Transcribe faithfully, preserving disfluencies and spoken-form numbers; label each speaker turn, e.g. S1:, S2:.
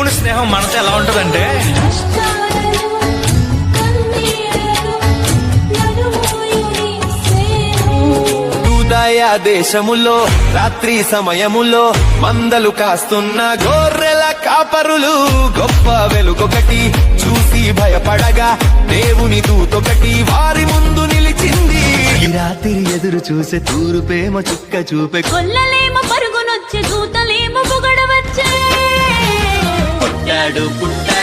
S1: దేవుడి స్నేహం మనతో ఎలా ఉంటదంటే
S2: దయ దేశములో రాత్రి సమయములో మందలు కాస్తున్న గొర్రెల కాపరులు గొప్ప వెలుగొకటి చూసి భయపడగా దేవుని దూతొకటి వారి ముందు నిలిచింది. ఈ రాత్రి ఎదురు చూసే తూరుపేమ చుక్క చూపే
S3: కొల్లలేమో పరుగునొచ్చే దూతలేమో పొగడవచ్చే.
S2: పుట్టాడు పుట్టాడు